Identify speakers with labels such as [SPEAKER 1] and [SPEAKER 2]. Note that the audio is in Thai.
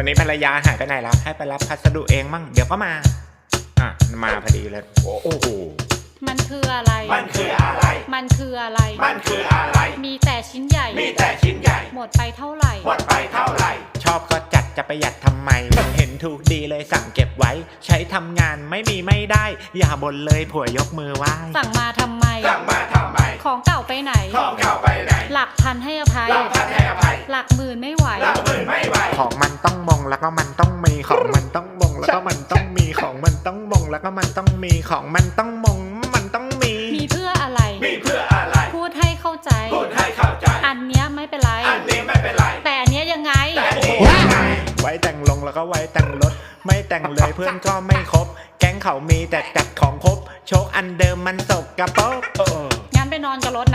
[SPEAKER 1] วันนี้ภรรยาหายไปไหนแล้วให้ไปรับพัสดุเองมั่งเดี๋ยวก็มามาพอดีเลยโอ้โห
[SPEAKER 2] มันคืออะไร
[SPEAKER 1] มันคืออะไร
[SPEAKER 2] มันคืออะไร
[SPEAKER 1] มันคืออะไร
[SPEAKER 2] มีแต่ชิ้นใหญ่
[SPEAKER 1] มีแต่ชิ้นใหญ่
[SPEAKER 2] หมดไปเท่าไหร่
[SPEAKER 1] หมดไปเท่าไหร่ชอบก็จัดจะประหยัดทำไมเห็นถูกดีเลยสั่งเก็บไว้ใช้ทำงานไม่มีไม่ได้อย่าบ่นเลยผัวยกมือไหว้
[SPEAKER 2] สั่งมาทำไม
[SPEAKER 1] สั่งมาทำไม
[SPEAKER 2] ของเก่าไปไหน
[SPEAKER 1] ของเก่าไปไหน
[SPEAKER 2] หลักพันให้อภัย
[SPEAKER 1] หลักพันให้อภัย
[SPEAKER 2] หลักหมื่นไม่ไหว
[SPEAKER 1] หลักหมื่นไม่ไหวของมันต้องมงแล้วก็มันต้องมีของมันต้องมงแล้วก็มันต้องมีของมันต้องมงแล้วก็มันต้องมีของมันต้องมงมันต้องมี
[SPEAKER 2] เพื่ออะไร
[SPEAKER 1] มีเพื่ออะไร
[SPEAKER 2] พูดให้เข้าใจ
[SPEAKER 1] พูดให้เข้าใจ
[SPEAKER 2] อันเนี้ยไม่เป็นไร
[SPEAKER 1] อันนี้ไม่เป็นไร
[SPEAKER 2] แต่อันเนี้ยยังไง
[SPEAKER 1] แต่อันนี้ยังไงไว้แต่งลงแล้วก็ไว้แต่งรถไม่แต่งเลยเพื่อนก็ไม่ครบแก๊งเขามีแต่จัดของครบโชคอันเดิมมันสกกระปรก
[SPEAKER 2] งั้นไปนอนกับรถ